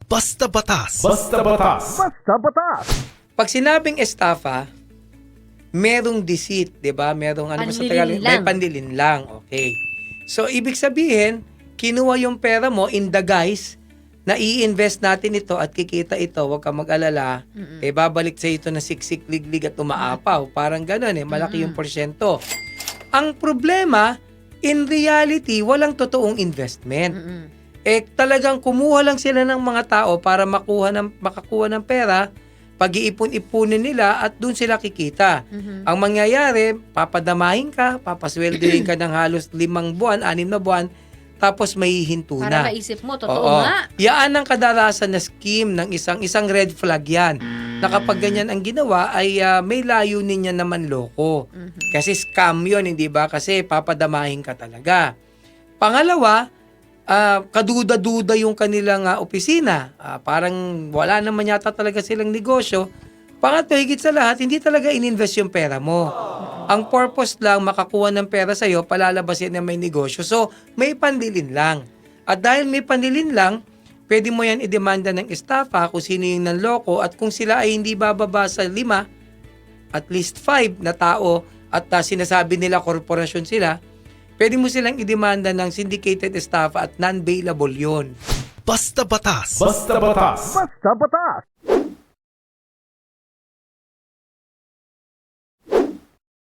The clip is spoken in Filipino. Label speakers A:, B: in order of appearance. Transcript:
A: Basta Batas.
B: Basta Batas.
C: Basta Batas.
D: Pag sinabing estafa, merong deceit, 'di ba? Merong ano sa Tagalog,
E: Panlilin
D: may
E: lang.
D: panlilin lang. Okay. So ibig sabihin, kinuha yung pera mo in the guise na i-invest natin ito at kikita ito, huwag kang mag-alala, babalik sa ito na siksik, liglig at umaapaw. Parang gano'n malaki yung porsyento. Ang problema, in reality, walang totoong investment. Talagang kumuha lang sila ng mga tao para makakuha ng pera, pag-iipon-ipunin nila at doon sila kikita. Ang mangyayari, papadamahin ka, papasweldohin ka ng halos 5 buwan, 6 na buwan, tapos may hinto na.
E: Para maisip mo, totoo
D: Oo.
E: nga.
D: Yaan ang kadalasan na scheme ng isang red flag yan. Na kapag ganyan ang ginawa ay may layunin niya naman loko. Kasi scam yun, hindi ba? Kasi papadamahin ka talaga. Pangalawa, kaduda-duda yung kanilang opisina. Parang wala naman yata talaga silang negosyo. Pangatlo, higit sa lahat, hindi talaga ininvest yung pera mo. Ang purpose lang, makakuha ng pera sa'yo, palalabasin na may negosyo. So, may panlilin lang. At dahil may panlilin lang, pwede mo yan idemanda ng estafa kung sino yung nanloko at kung sila ay hindi bababa sa 5, at least 5 na tao at sinasabi nila korporasyon sila, pwede mo silang idemanda ng syndicated estafa at non-bailable yun.
A: Basta Batas.
B: Basta Batas.
C: Basta Batas.